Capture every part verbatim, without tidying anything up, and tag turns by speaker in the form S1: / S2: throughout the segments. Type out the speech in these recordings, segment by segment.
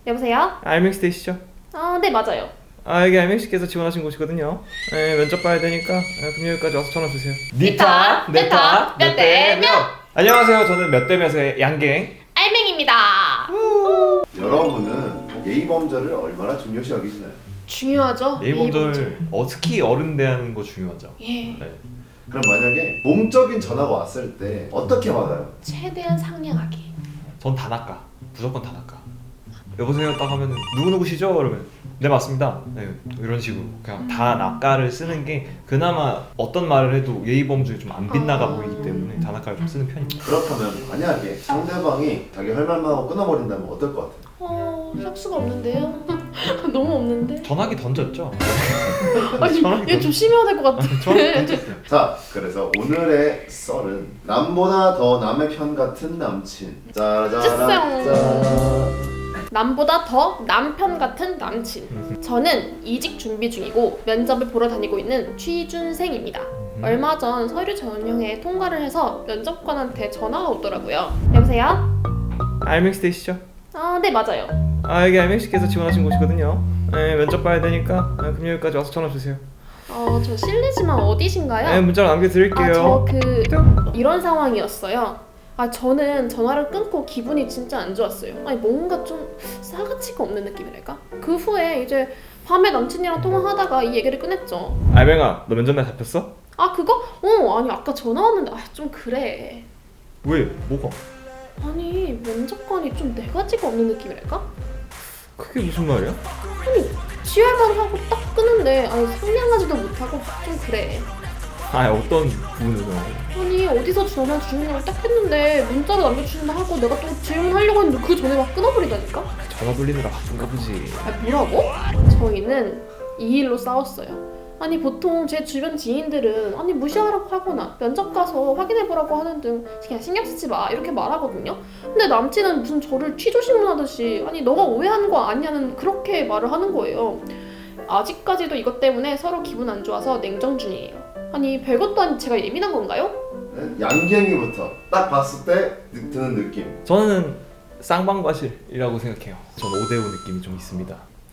S1: 여보세요?
S2: 알맥스 되시죠?
S1: 아, 네, 맞아요.
S2: 아, 여기 알맥스께서 지원하신 곳이거든요. 네, 면접 봐야 되니까 아, 금요일까지 와서 전화 주세요.
S1: 니타, 네타, 몇 대 몇.
S2: 안녕하세요. 저는 몇 대 몇의 양갱
S1: 알맹입니다.
S3: 여러분은 예의범절을 얼마나 중요시 여기시나요?
S1: 중요하죠?
S2: 예의범절 어, 특히 어른 대하는 거 중요하죠.
S1: 예.
S2: 네.
S3: 그럼 만약에 공적인 전화가 왔을 때 어떻게 받아요?
S1: 최대한 상냥하게.
S2: 전 다나까. 무조건 다나까. 여보세요 딱 하면 누구누구시죠? 그러면 네 맞습니다. 네, 이런 식으로 그냥 다나까를 쓰는 게 그나마 어떤 말을 해도 예의범절이 좀 안 빗나가
S1: 아.
S2: 보이기 때문에 다나까를 좀 쓰는 편입니다.
S3: 그렇다면 만약에 상대방이 자기 할 말만 하고 끊어버린다면 어떨 것 같아요?
S1: 어, 할 수가 없는데요? 너무 없는데?
S2: 전화기 던졌죠?
S1: 아니,
S2: 전화기
S1: 얘 조심해야 될 것 같아.
S2: 전화기 던졌어요.
S3: 자, 그래서 오늘의 썰은 남보다 더 남의 편 같은 남친. 짜자란 짠.
S1: 남보다 더 남편 같은 남친. 저는 이직 준비 중이고 면접을 보러 다니고 있는 취준생입니다. 얼마 전 서류 전형에 통과를 해서 면접관한테 전화가 오더라고요. 여보세요?
S2: 알맥스 되시죠?
S1: 아, 네, 맞아요.
S2: 아, 여기 알맥스께서 지원하신 곳이거든요. 네, 면접 봐야 되니까 아, 금요일까지 와서 전화 주세요.
S1: 어, 저 실례지만 어디신가요?
S2: 네, 문자로 남겨드릴게요.
S1: 아, 저 그 이런 상황이었어요. 아, 저는 전화를 끊고 기분이 진짜 안 좋았어요. 아니, 뭔가 좀 싸가지가 없는 느낌이랄까? 그 후에 이제 밤에 남친이랑 통화하다가 이 얘기를 꺼냈죠.
S2: 알맹아, 너 면접날 잡혔어?
S1: 아, 그거? 어, 아니, 아까 전화 왔는데 아, 좀 그래.
S2: 왜? 뭐가?
S1: 아니, 면접관이 좀 내가지가 없는 느낌이랄까?
S2: 그게 무슨 말이야?
S1: 아니, 지랄만 하고 딱 끊는데 아니, 상냥하지도 못하고 좀 그래.
S2: 아, 어떤 부분에서?
S1: 아니, 어디서 전화 주문을 딱 했는데 문자로 남겨주신다 하고 내가 또 질문하려고 했는데 그 전에 막 끊어버리다니까?
S2: 전화 돌리느라 바쁜가 보지.
S1: 아, 뭐라고? 저희는 이 일로 싸웠어요. 아니, 보통 제 주변 지인들은 아니 무시하라고 하거나 면접 가서 확인해보라고 하는 등 그냥 신경 쓰지 마 이렇게 말하거든요. 근데 남친은 무슨 저를 취조신문하듯이 아니 너가 오해하는 거 아니냐는 그렇게 말을 하는 거예요. 아직까지도 이것 때문에 서로 기분 안 좋아서 냉정 중이에요. 아니, 별것도 아닌 제가 예민한 건가요?
S3: 네? 양갱이부터 딱 봤을 때 느- 드는 느낌.
S2: 저는 쌍방과실이라고 생각해요. 전 오대오 느낌이 좀 있습니다.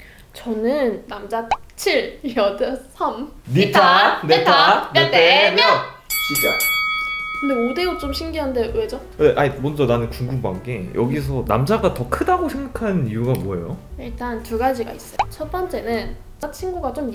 S1: 저는 남자 칠, 여자 삼.
S2: 니타, 네타, 몇 대 몇.
S3: 시작.
S1: 근데 오 대 오 좀 신기한데 왜죠?
S2: 네, 아니 먼저 나는 궁금한 게 여기서 남자가 더 크다고 생각하는 이유가 뭐예요?
S1: 일단 두 가지가 있어요. 첫 번째는 친구가 좀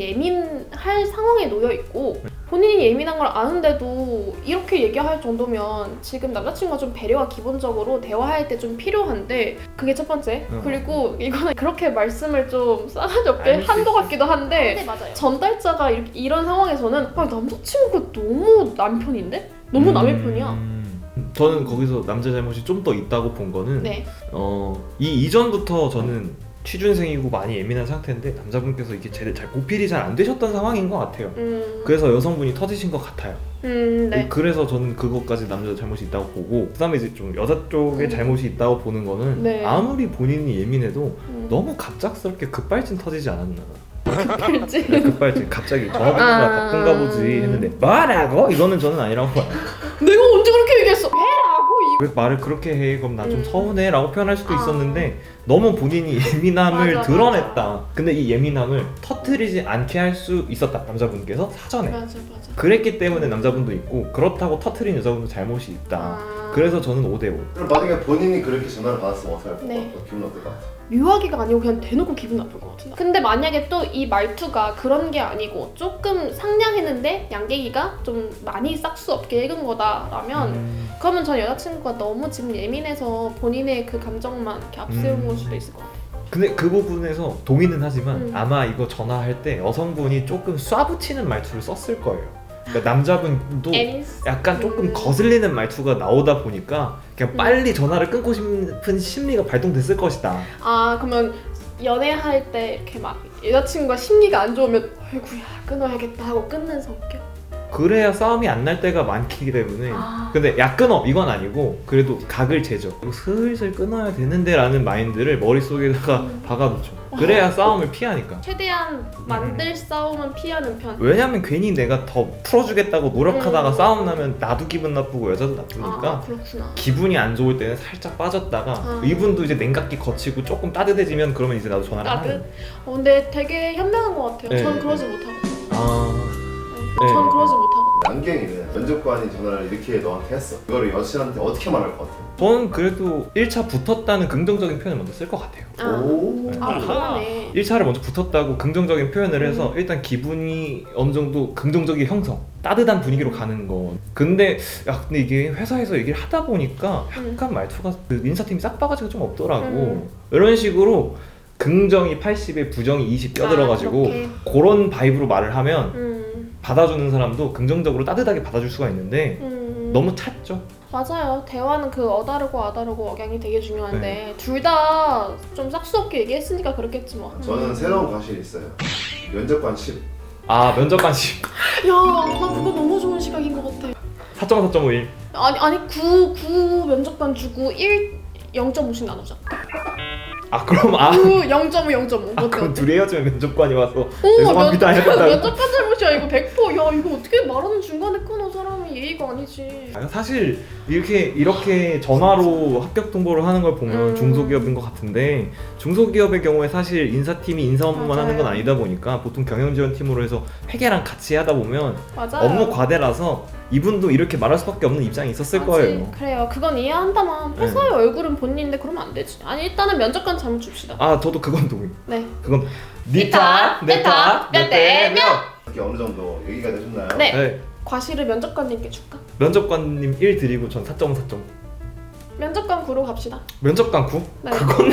S1: 예민할 상황에 놓여 있고 본인이 예민한 걸 아는데도 이렇게 얘기할 정도면 지금 남자친구가 좀 배려가 기본적으로 대화할 때 좀 필요한데 그게 첫 번째.
S2: 어.
S1: 그리고 이거는 그렇게 말씀을 좀 싸가지 없게
S2: 알수
S1: 한 것
S2: 있어.
S1: 같기도 한데
S4: 네, 맞아요.
S1: 전달자가 이렇게, 이런 상황에서는 아, 남자친구가 너무 남편인데? 너무 남의 편이야.
S2: 음, 저는 거기서 남자 잘못이 좀 더 있다고 본 거는
S1: 네.
S2: 어, 이 이전부터 저는 취준생이고 많이 예민한 상태인데 남자분께서 이게 제대로 잘 보필이 잘 안 되셨던 상황인 것 같아요.
S1: 음,
S2: 그래서 여성분이 터지신 것 같아요.
S1: 음, 네.
S2: 그래서 저는 그것까지 남자 잘못이 있다고 보고 그다음에 이제 좀 여자 쪽에
S1: 음.
S2: 잘못이 있다고 보는 거는
S1: 네.
S2: 아무리 본인이 예민해도
S1: 음.
S2: 너무 갑작스럽게 급발진 터지지 않았나.
S1: 그렇지.
S2: 네, 급발진 갑자기 전화번호가
S1: 아.
S2: 바꾼가 보지 했는데 뭐라고? 이거는 저는 아니라고 봐요.
S1: 내가 언제 그렇게 얘기했어? 해라고 이.
S2: 왜 말을 그렇게 해? 그럼 나 좀
S1: 음.
S2: 서운해 라고 표현할 수도
S1: 아.
S2: 있었는데 너무 본인이 예민함을
S1: 맞아,
S2: 드러냈다.
S1: 맞아.
S2: 근데 이 예민함을 터트리지 않게 할 수 있었다. 남자분께서 사전에.
S1: 맞아, 맞아.
S2: 그랬기 때문에 남자분도 있고 그렇다고 터트린 여자분도 잘못이 있다.
S1: 아.
S2: 그래서 저는 오 대 오.
S3: 그럼 만약에 본인이 그렇게 전화를 받았으면 어떻게 할 것
S1: 네.
S3: 같아? 기분 어떨 것 같아?
S1: 묘하기가 아니고 그냥 대놓고 기분 나쁠 것 같은데. 근데 만약에 또 이 말투가 그런 게 아니고 조금 상냥했는데 양갱이가 좀 많이 싹수 없게 읽은 거다라면
S2: 음.
S1: 그러면 전 여자친구가 너무 지금 예민해서 본인의 그 감정만 이렇게 앞세운
S2: 음.
S1: 걸 수도 있을 것 같아요.
S2: 근데 그 부분에서 동의는 하지만
S1: 음.
S2: 아마 이거 전화할 때 여성분이 조금 쏴붙이는 말투를 썼을 거예요. 그러니까 남자분도
S1: 에이스.
S2: 약간 조금
S1: 음.
S2: 거슬리는 말투가 나오다 보니까 그냥
S1: 음.
S2: 빨리 전화를 끊고 싶은 심리가 발동됐을 것이다.
S1: 아, 그러면 연애할 때 이렇게 막 여자친구가 심리가 안 좋으면 아이고야 끊어야겠다 하고 끊는 성격?
S2: 그래야 싸움이 안 날 때가 많기 때문에
S1: 아.
S2: 근데 야 끊어 이건 아니고 그래도 각을 재죠. 이거 슬슬 끊어야 되는데 라는 마인드를 머릿속에다가
S1: 음.
S2: 박아놓죠. 그래야 싸움을 피하니까.
S1: 최대한 만들 싸움은 피하는 편.
S2: 왜냐면 괜히 내가 더 풀어주겠다고 노력하다가
S1: 음.
S2: 싸움 나면 나도 기분 나쁘고 여자도 나쁘니까
S1: 아, 그렇구나.
S2: 기분이 안 좋을 때는 살짝 빠졌다가
S1: 아.
S2: 이분도 이제 냉각기 거치고 조금 따뜻해지면 그러면 이제 나도 전화를
S1: 나도
S2: 하는
S1: 어, 근데 되게 현명한 것 같아요.
S2: 네,
S1: 전
S2: 네,
S1: 그러지
S2: 네.
S1: 못하거든요.
S2: 아...
S1: 네.
S2: 네.
S1: 전 그러지 못하거든요.
S3: 양갱이는 면접관이 전화를 이렇게 너한테 했어. 이거를 여친한테 어떻게 말할 것 같아?
S2: 저는 그래도 일 차 붙었다는 긍정적인 표현을 먼저 쓸 것 같아요.
S1: 아,
S3: 오.
S1: 아 그러네.
S2: 일 차를 먼저 붙었다고 긍정적인 표현을 해서
S1: 음.
S2: 일단 기분이 어느 정도 긍정적인 형성, 따뜻한 분위기로 가는 거. 근데 야 근데 이게 회사에서 얘기를 하다 보니까 약간 말투가 그 인사팀이 싹바가지가 좀 없더라고.
S1: 음.
S2: 이런 식으로 긍정이 팔십에 부정이 이십 껴들어가지고
S1: 아, 그렇게.
S2: 그런 바이브로 말을 하면
S1: 음,
S2: 받아주는 사람도 긍정적으로 따뜻하게 받아줄 수가 있는데
S1: 음.
S2: 너무 찼죠.
S1: 맞아요. 대화는 그 어다르고 아다르고 억양이 되게 중요한데
S2: 네.
S1: 둘 다 좀 싹수 없게 얘기했으니까 그렇겠지 뭐.
S3: 저는 새로운 과실이 있어요. 면접관 십.
S2: 아 면접관식
S1: 야, 나 그거 너무 좋은 시각인 것 같아.
S2: 사 점 사 점 오일.
S1: 아니 아니 구, 구 면접관 주고 일 영 점 오씩 나누자.
S2: 아 그럼 아,
S1: 구 영 점 오 영 점 오.
S2: 아 그럼 둘이 헤어지면 면접관이 와서
S1: 오,
S2: 죄송합니다
S1: 면-
S2: 해준다.
S1: 면접관 잘못이야 이거 백 퍼센트. 야 이거 어떻게 말하는 중간에 끊어 사람이 예의가 아니지.
S2: 아, 사실 이렇게 이렇게 전화로 합격 통보를 하는 걸 보면
S1: 음.
S2: 중소기업인 것 같은데 중소기업의 경우에 사실 인사팀이 인사 업무만
S1: 맞아요.
S2: 하는 건 아니다 보니까 보통 경영지원팀으로 해서 회계랑 같이 하다 보면
S1: 맞아요.
S2: 업무 과대라서 이분도 이렇게 말할 수밖에 없는 입장이 있었을
S1: 맞지.
S2: 거예요.
S1: 그래요. 그건 이해한다만
S2: 네.
S1: 회사의 얼굴은 본인인데 그러면 안 되지. 아니 일단은 면접관 잘못 줍시다.
S2: 아 저도 그건 동의.
S1: 네.
S2: 그건
S1: 니 탓, 내 탓, 몇 대 몇.
S3: 이렇게 어느 정도 얘기가 되셨나요?
S1: 네.
S2: 네.
S1: 과실을 면접관님께 줄까?
S2: 면접관님 일 드리고 전 사 점 사 점.
S1: 면접관 구로 갑시다.
S2: 면접관 구?
S1: 네.
S2: 그거는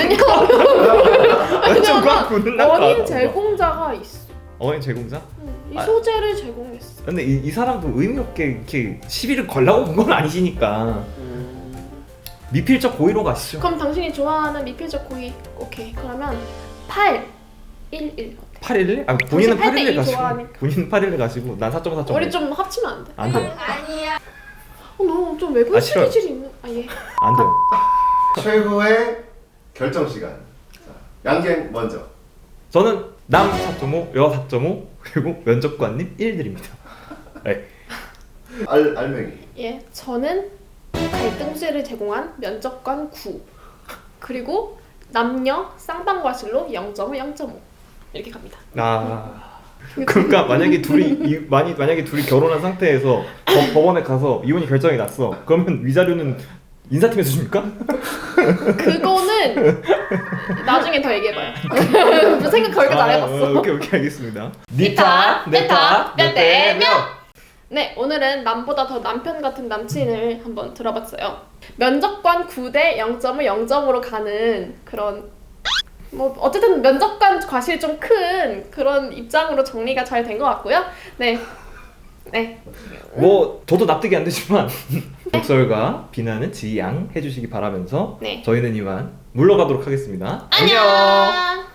S1: 왜냐면
S2: 면접관 구는 난
S1: 원인
S2: 가-
S1: 제공자가 있어.
S2: 어인 제공자?
S1: 응, 이
S2: 아.
S1: 소재를 제공했어.
S2: 근데 이, 이 사람도 의미 없게 이렇게 시비를 걸라고 온 건 아니시니까 미필적 고의로 가시죠.
S1: 그럼 당신이 좋아하는 미필적 고의. 오케이. 그러면 팔 일 일.
S2: 팔 일 일? 아 본인은
S1: 팔
S2: 팔
S1: 대
S2: 일 일
S1: 이
S2: 가시고
S1: 좋아하니까.
S2: 본인은 팔 일 일 가시고 난 사 점 사 점.
S1: 우리 좀 합치면 안 돼?
S2: 안 돼요.
S1: 어, 너 좀 외국인
S2: 아, 싫어요.
S1: 스킬이 있는. 아 예.
S2: 안 돼요.
S3: 최후의 결정 시간. 자, 양갱 먼저.
S2: 저는 남 사 점 오, 여 사 점 오 그리고 면접관님 일 드립니다. 네.
S3: 알 알맹이.
S1: 예. 저는 갈등제를 제공한 면접관 구. 그리고 남녀 쌍방과실로 영 점 오, 영 점 오 이렇게 갑니다.
S2: 아 그러니까 만약에 둘이 이, 많이 만약에 둘이 결혼한 상태에서 법- 법원에 가서 이혼이 결정이 났어. 그러면 위자료는 인사팀에서 줍니까?
S1: 그거는 나중에 더 얘기해봐요. 생각 거기까지 안 해봤어.
S2: 아, 오케이 오케이 알겠습니다.
S1: 니 탓, 내 탓, 몇 대 몇. 네, 오늘은 남보다 더 남편 같은 남친을 한번 들어봤어요. 면접관 구 대 영 점 오, 영 점 오로 가는 그런 뭐 어쨌든 면접관 과실이 좀 큰 그런 입장으로 정리가 잘 된 것 같고요. 네, 네,
S2: 뭐 저도 납득이 안 되지만 독설과 비난은 지양해 주시기 바라면서
S1: 네.
S2: 저희는 이만 물러가도록 하겠습니다.
S1: 안녕.